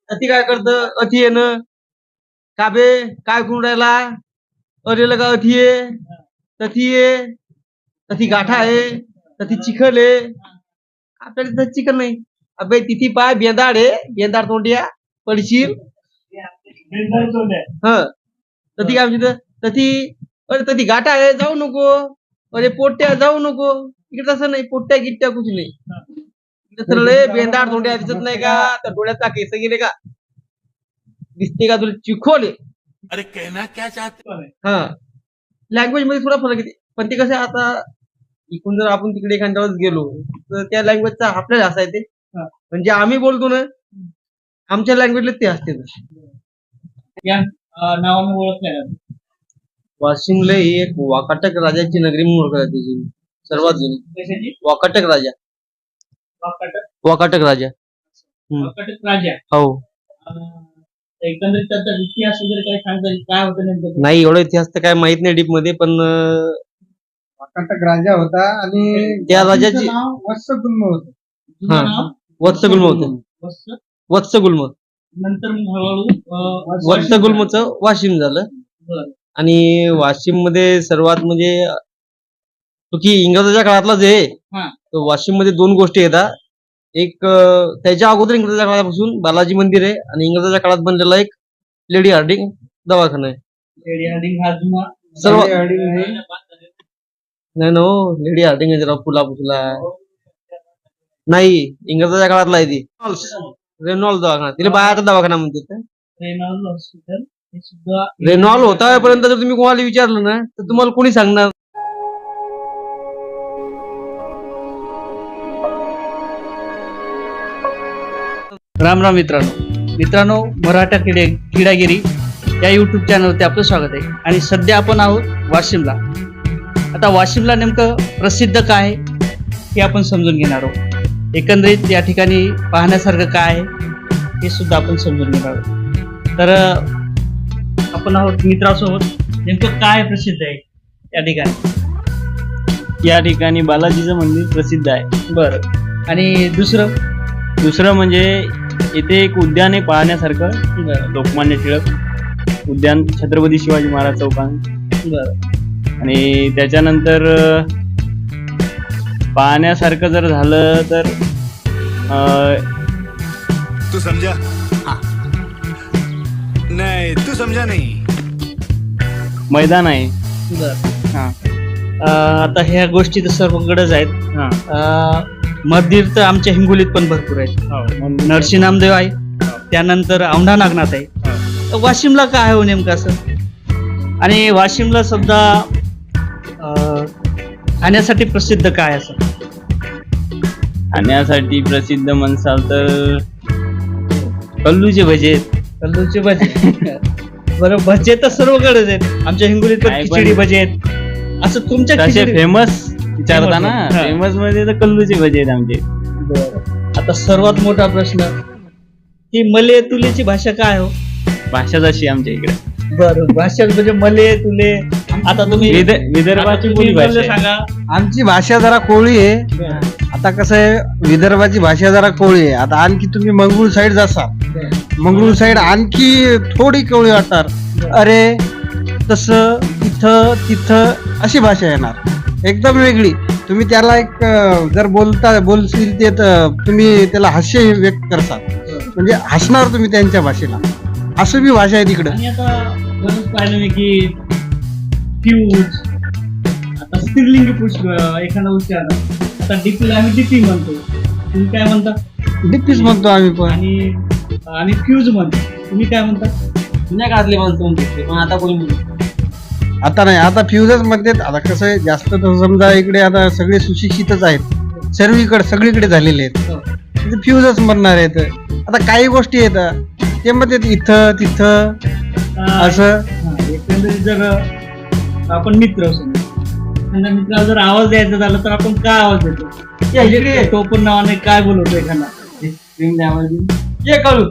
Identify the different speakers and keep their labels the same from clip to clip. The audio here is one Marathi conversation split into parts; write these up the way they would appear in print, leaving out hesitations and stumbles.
Speaker 1: अति काय करतं अति येणं काबे काय करून राहिला अरे लगा अति ये तथी ये तथी गाठा आहे तथी चिखल आहे आपल्याला तिथं चिखल नाही अबे तिथी पाय बेंदाड आहे बेंदाड तोंडिया पडशील ह तथी काय म्हणते तथी अरे तथी गाठा आहे जाऊ नको अरे पोट्ट्या जाऊ नको इकडे तसं नाही पोट्ट्या गिट्ट्या कुछ नाही सरळ बेंदाड तोंड्या दिसत नाही का तर डोळ्याचा केस गेले का दिसते का तुला चिखोले
Speaker 2: अरे कहना क्या चाहते
Speaker 1: हा लँग्वेज मध्ये थोडा फरक येते पण ते कसं आता इकडून जर आपण तिकडे एखाद्या वेळेस गेलो तर त्या लँग्वेजचा आपल्याला असा येते म्हणजे आम्ही बोलतो ना आमच्या लँग्वेजला ते असते
Speaker 3: या नावाने ओळखल्या जातात.
Speaker 1: वाशिमला ही एक वाकाटक राजाची नगरी म्हणून ओळखली जाते जी सर्वात जुनी
Speaker 3: कशाची?
Speaker 1: वाकाटक राजा
Speaker 3: वाकाटक
Speaker 1: वाकाटक राजा
Speaker 3: वाकाटक राजा.
Speaker 1: हो
Speaker 3: एकंदरीत त्याचा इतिहास वगैरे काही सांगता येईल? काय होतं नेमकं?
Speaker 1: नाही एवढा इतिहास तर काय माहित नाही डीप मध्ये पण
Speaker 4: वाकाटक राजा होता आणि
Speaker 1: त्या राजाची
Speaker 4: नाव वत्सगुल्म होतं.
Speaker 3: जुनं
Speaker 1: हा.
Speaker 3: नाव
Speaker 1: वत्सगुल्म होतं
Speaker 3: वत्स.
Speaker 1: वत्सगुल्म
Speaker 3: नंतर मग हळूहळू
Speaker 1: वत्सगुल्मचं वाशिम झालं
Speaker 3: बरं.
Speaker 1: आणि वाशिम मध्ये सर्वात म्हणजे तो की इंग्रजाच्या काळातला जे
Speaker 3: हा.
Speaker 1: तो वाशिम मध्ये दोन गोष्टी येतात एक त्याच्या अगोदर इंग्रजाच्या काळापासून बालाजी मंदिर आहे आणि इंग्रजाच्या काळात बनलेला एक लेडी हार्डिंग दवाखाना आहे
Speaker 3: लेडी हार्डिंग हा जुना
Speaker 1: सर्व
Speaker 4: लेडी हार्डिंग हे
Speaker 1: नाही नो लेडी हार्डिंग आहे जरा फुला फुला नाही इंग्रजाच्या काळातला आहे ती रेनॉल्ड दवाखाना तिला बायाचा दवाखाना म्हणते
Speaker 3: रेनॉल्ड हॉस्पिटल हे सुद्धा
Speaker 1: रेनॉल्ड होता जर तुम्ही कोणाला विचारलं ना तर तुम्हाला कोणी सांगणार
Speaker 3: राम राम मित्रांनो मराठा किडागिरी या युट्यूब चॅनलवरती आपलं स्वागत आहे. आणि सध्या आपण आहोत वाशिमला. आता वाशिमला नेमकं प्रसिद्ध काय आहे हे आपण समजून घेणार आहोत. एकंदरीत या ठिकाणी पाहण्यासारखं काय आहे हे सुद्धा आपण समजून घेणार आहोत. तर आपण आहोत मित्रासोबत. नेमकं काय प्रसिद्ध आहे या ठिकाणी?
Speaker 5: या ठिकाणी बालाजीचं मंदिर प्रसिद्ध आहे.
Speaker 3: बरं. आणि दुसरं
Speaker 5: म्हणजे इथे एक उद्यान आहे पाहण्यासारखं, लोकमान्य टिळक उद्यान, छत्रपती शिवाजी महाराज चौकान.
Speaker 3: बरं.
Speaker 5: आणि त्याच्यानंतर पाहण्यासारखं जर झालं तर
Speaker 2: तू समझा हाँ नहीं तू समझा नहीं
Speaker 5: मैदान आहे.
Speaker 3: बरं.
Speaker 5: हा
Speaker 3: आता ह्या गोष्टी तर सर्वकडेच आहेत.
Speaker 5: हा
Speaker 3: मंदिर तर आमच्या हिंगोलीत पण भरपूर आहेत.
Speaker 5: मंदिर.
Speaker 3: नरसिंह नामदेव आहे, त्यानंतर औंढा नागनाथ आहे. तर वाशिमला काय हो नेमकं असं? आणि वाशिमला सुद्धा खाण्यासाठी प्रसिद्ध काय असं?
Speaker 5: खाण्यासाठी प्रसिद्ध म्हणसाल तर कल्लूचे भजे आहेत.
Speaker 3: कल्लूचे भजे. बरं, भजे तर सर्वकडेच आहेत. आमच्या हिंगोलीत पण
Speaker 5: काय पण-
Speaker 3: खिचडी भजे आहेत. असं तुमच्या
Speaker 5: तसे
Speaker 3: खिचडी-
Speaker 5: फेमस विचारता ना,
Speaker 3: हा.
Speaker 5: फेमस मध्ये तर कल्लूचे भजे आहेत आमचे.
Speaker 3: बरं. आता सर्वात मोठा प्रश्न की मले तुलेची भाषा काय हो?
Speaker 5: भाषाच अशी आमच्या इकडे.
Speaker 3: बरं, भाषा म्हणजे मले तुले. आता तुम्ही
Speaker 5: विदर्भाची बोली भाषा आहे.
Speaker 3: सांगा.
Speaker 4: आमची भाषा जरा कोळी आहे. आता कसं आहे विदर्भाची भाषा जरा कोळी आहे. आता आणखी तुम्ही मंगळूर साईड जासाल, मंगळूर साईड आणखी थोडी कोळी वाटणार. अरे तसं इथं तिथं अशी भाषा येणार एकदम वेगळी. तुम्ही त्याला एक जर बोलशील ते तर तुम्ही त्याला हास्य व्यक्त करसाल, म्हणजे हसणार तुम्ही त्यांच्या भाषेला. असं बी भाषा आहे तिकडं.
Speaker 3: आणि आता बरंच पाहिलं मी की फ्यूज, आता स्त्रीलिंगी पुरुष एखादा उच्चार. आता डीपीला आम्ही डीपी म्हणतो, तुम्ही काय म्हणता?
Speaker 4: डिप्पीच म्हणतो आम्ही पण.
Speaker 3: आणि फ्यूज म्हणतो, तुम्ही काय म्हणता?
Speaker 1: जुन्या काळातले माणसं म्हणते पण आता कोणी म्हणते
Speaker 4: आता नाही, आता फ्युजच म्हणतात. आता कसं आहे जास्त तर समजा इकडे आता सगळे सुशिक्षितच आहेत, सगळीकडे झालेले आहेत. फ्युजच म्हणणार आहेत. आता काही गोष्टी येतात ते म्हणतात इथं तिथं असं.
Speaker 3: एकंदरीत जर आपण मित्र असू, एखाद्या मित्राला जर आवाज द्यायचा झाला तर आपण काय आवाज देतो? म्हणजे तो पण नावाने काय बोलवतो एखादा?
Speaker 1: ये करू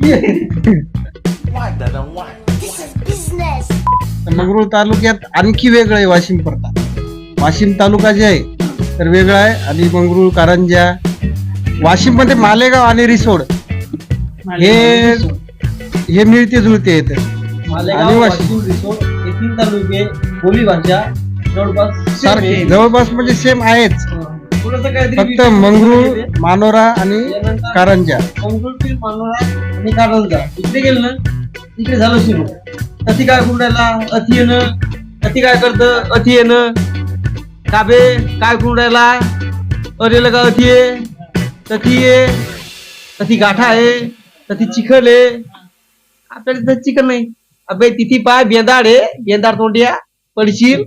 Speaker 4: मंगरुळ तालुक्यात आणखी वेगळं आहे वाशिम पडतात. वाशिम तालुका जे आहे तर वेगळा आहे. आणि मंगरुळ, कारंजा, वाशिम मध्ये मालेगाव आणि रिसोड हे मिळते जुळते येत.
Speaker 1: मालेगाव,
Speaker 4: आणि वाशिम.
Speaker 1: वाशिम, रिसोड हे 3 तालुके बोली भाषा जवळपास same
Speaker 4: सारखे
Speaker 1: आहे.
Speaker 4: जवळपास म्हणजे सेम आहेच.
Speaker 1: थोडंसं काहीतरी
Speaker 4: फक्त
Speaker 1: विशेष
Speaker 4: मंगरूळ,
Speaker 1: आहे.
Speaker 4: मानोरा आणि कारंजा.
Speaker 1: मंगरुळपीर, मानोरा आणि कारंजा इकडे गेलं ना इकडे झालं सुरू. अति काय करून राहिला अति येणं, अति काय करतं अति येणं, काबे काय करून राहिला अरे लगा अति ये तथी ये, तथी गाठा आहे, तथी चिखल आहे. आपल्याला तिथं चिखल नाही. अबे तिथी पाय बेंदाड आहे, बेंदाड तोंडिया पडशील.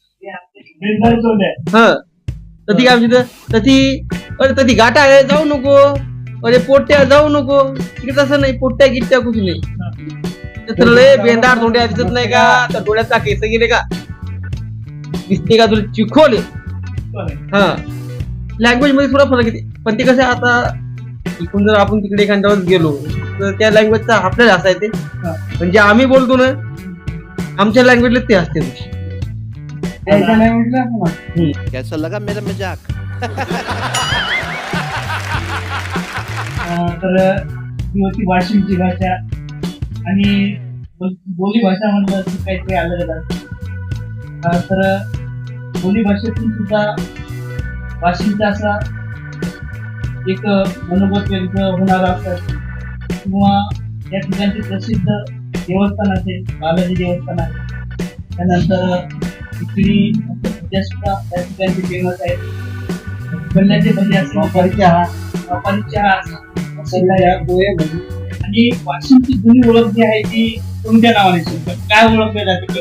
Speaker 1: ह तथी काय म्हणते तथी अरे तथी गाठा आहे जाऊ नको, अरे पोट्या जाऊ नको. तिकडे तसं नाही, पोट्या गिट्ट्या कुठे नाही. तर लय बेंदाड तोंड्या दिसत नाही का, तर डोळ्याचा केस गेले का दिसते का तुला चिखोले. हा लँग्वेज मध्ये थोडा फरक येते, पण ते कसं आहे आता इकडून जर आपण तिकडे एखाद्या वेळेस गेलो तर त्या लँग्वेजचा आपल्याला असा येते, म्हणजे आम्ही बोलतो ना आमच्या लँग्वेजला ते असते.
Speaker 2: कैसा लगा मेरा मजाक?
Speaker 3: तर ही होती वाशिमची भाषा. आणि बोली भाषा म्हणलं की काहीतरी आलं जातं. तर बोली भाषेतून सुद्धा वाशिमचा असा एक मनोगत व्यक्त होणारा असतात. किंवा या ठिकाणचे प्रसिद्ध देवस्थान असेल, बालाजी देवस्थान आहे. त्यानंतर इकडे सध्या सुद्धा त्या ठिकाणचे फेमस आहेत. गल्ल्याचे भजी असेल, व्यापारी चहा असेल. आणि वाशिमची जुनी ओळख जी आहे ती कोणत्या नावाने सुद्धा काय ओळखले जाते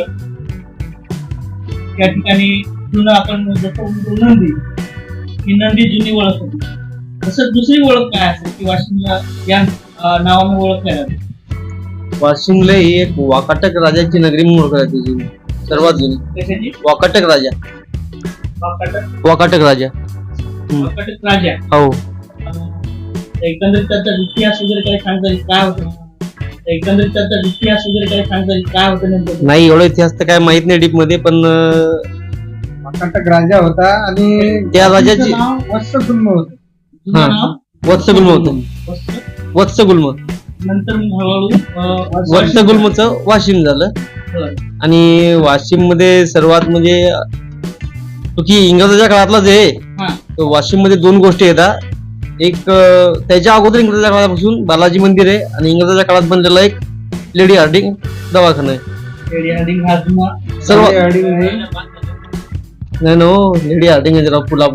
Speaker 3: त्या ठिकाणी जुनं आपण जसं म्हणतो नंदी, ही नंदी जुनी ओळख होती. तसं दुसरी ओळख काय असेल की वाशिमला या नावाने ओळखल्या जाते?
Speaker 1: वाशिमला ही एक वाकाटक राजाची नगरी म्हणून ओळखली जाते जुनी, सर्वात जुनी.
Speaker 3: कशाची?
Speaker 1: वाकाटक राजा,
Speaker 3: वाकाटक
Speaker 1: वाकाटक राजा.
Speaker 3: वाकाटक राजा.
Speaker 1: हो
Speaker 3: एकंदरीत त्याचा इतिहास वगैरे काही सांगता येईल काय होतं? एकंदरीत त्याचा इतिहास वगैरे काही सांगता येईल काय होतं नेमकं?
Speaker 1: नाही एवढा इतिहास तर काय माहित नाही डीप मध्ये, पण
Speaker 4: वाकाटक राजा होता आणि
Speaker 1: त्या राजाची
Speaker 4: नाव वत्सगुल्म होतं.
Speaker 3: जुनं
Speaker 1: हा.
Speaker 3: नाव
Speaker 1: वत्सगुल्म होतं.
Speaker 3: वत्स.
Speaker 1: वत्सगुल्म,
Speaker 3: नंतर मग हळूहळू
Speaker 1: वत्सगुल्मचं वाशिम झालं.
Speaker 3: बरं.
Speaker 1: आणि वाशिम मध्ये सर्वात म्हणजे तो की इंग्रजाच्या काळातलाच आहे.
Speaker 3: हा.
Speaker 1: तो वाशिम मध्ये 2 गोष्टी येतात. एक त्याच्या अगोदर इंग्रजाच्या काळापासून बालाजी मंदिर आहे, आणि इंग्रजाच्या काळात बनलेला एक लेडी हार्डिंग दवाखाना आहे.
Speaker 3: लेडी हार्डिंग हा जुना
Speaker 1: सर्व
Speaker 4: हार्डिंग नाही.
Speaker 1: नाही नो लेडी हार्डिंग आहे जरा फुला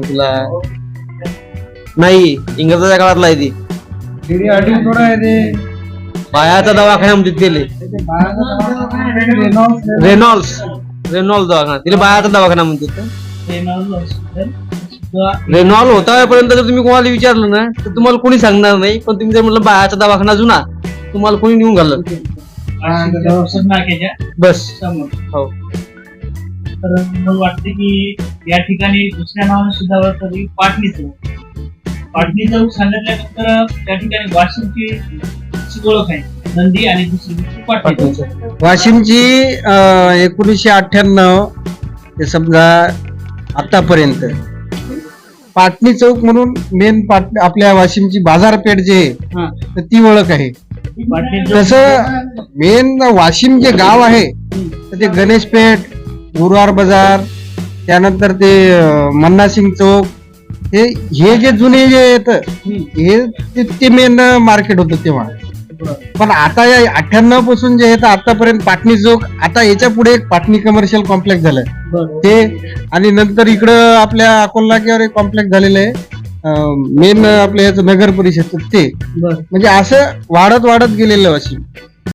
Speaker 1: नाही, इंग्रजाच्या काळातला आहे ती.
Speaker 4: लेडी हार्डिंग थोडा आहे ते.
Speaker 1: बायाचा दवाखाना म्हणते तिले
Speaker 4: त्याचे बाळाचं नाव आहे रेनॉल्ड्स.
Speaker 1: रेनॉल्ड दवाखाना, तिला बायाचा दवाखाना म्हणते.
Speaker 3: सुद्धा
Speaker 1: रेनॉल्ड होता पर्यंत जर तुम्ही कोणाला विचारलं ना तर तुम्हाला कोणी सांगणार नाही, पण तुम्ही जर म्हटलं बायाचा दवाखाना जुना, तुम्हाला कोणी नेऊन घाललं
Speaker 3: नाक्याच्या
Speaker 1: बस.
Speaker 3: समोर.
Speaker 1: हो
Speaker 3: तर मला वाटते की या ठिकाणी दुसऱ्या नावाने सुद्धा ओळखली पाटणी चौक. पाटणी चौक सांगितल्यानंतर त्या ठिकाणी वाशिमची अशी ओळख आहे नंदी, आणि दुसरी गोष्ट पाटणी चौक.
Speaker 4: वाशिमची 1998 ते समजा आतापर्यंत पाटणी चौक म्हणून मेन आपल्या वाशिमची बाजारपेठ जे आहे
Speaker 3: हा.
Speaker 4: तर ती ओळख आहे.
Speaker 3: पाटणी चौक
Speaker 4: तसं मेन वाशिम जे गाव आहे तर ते गणेश पेठ, गुरुवार बाजार, त्यानंतर ते मन्नासिंग चौक, हे जे जुने जे येतं हे ते मेन मार्केट होतं तेव्हा. पण आता या 98 पासून जे आहे आतापर्यंत पाटणी चौक, आता याच्या पुढे एक पाटणी कमर्शियल कॉम्प्लेक्स झालंय ते, आणि नंतर इकडं आपल्या अकोला नाक्यावर एक कॉम्प्लेक्स झालेलं आहे मेन आपल्या याचं नगर परिषद ते. म्हणजे असं वाढत गेलेलं वाशिम.